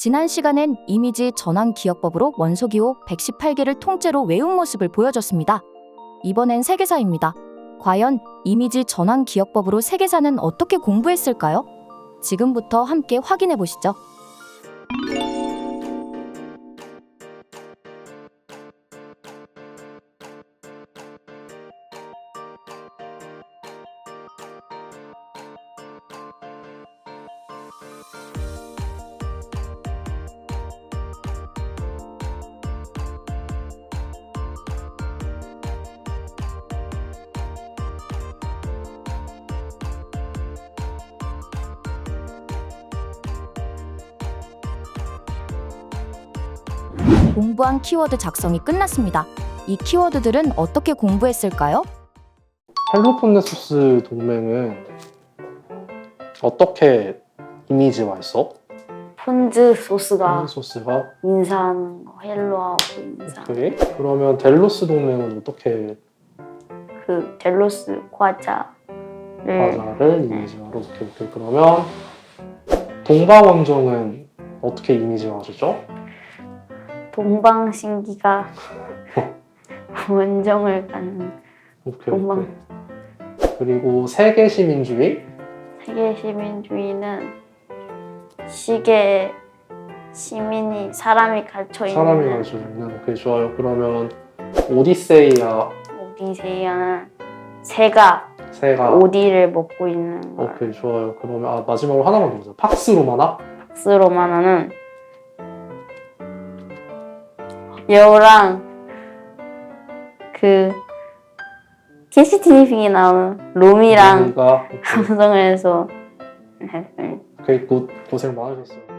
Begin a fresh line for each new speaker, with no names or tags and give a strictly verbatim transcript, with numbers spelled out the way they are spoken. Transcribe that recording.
지난 시간엔 이미지 전환 기억법으로 원소기호 백십팔 개를 통째로 외운 모습을 보여줬습니다. 이번엔 세계사입니다. 과연 이미지 전환 기억법으로 세계사는 어떻게 공부했을까요? 지금부터 함께 확인해 보시죠. 공부한 키워드 작성이 끝났습니다. 이 키워드들은 어떻게 공부했을까요?
펠로폰네소스 동맹은 어떻게 이미지화했어?
폰즈 소스가
폰네소스가
인사하는 거, 헬로하고 인사.
오케이. 그러면 델로스 동맹은 어떻게
그 델로스 과자를
과자를 이미지화로 오케이 오케이. 그러면 동방원정은 어떻게 이미지화하죠?
동방신기가 원정을 가는
오케이
동방.
오케이. 그리고 세계시민주의
세계 시민주의는 시계 시민이 사람이 갇혀 있는
사람이 가지고 있는 오케이 좋아요. 그러면 오디세이아
오디세이아는 새가
새가
오디를 먹고 있는 거.
오케이 좋아요. 그러면 아 마지막으로 하나만 더 보자. 팍스로마나
박스로마나는 여우랑 그 캐시티니핑이 나오는 로미랑
우리가
감성을 해서
오케이 고, 고생 많으셨어요.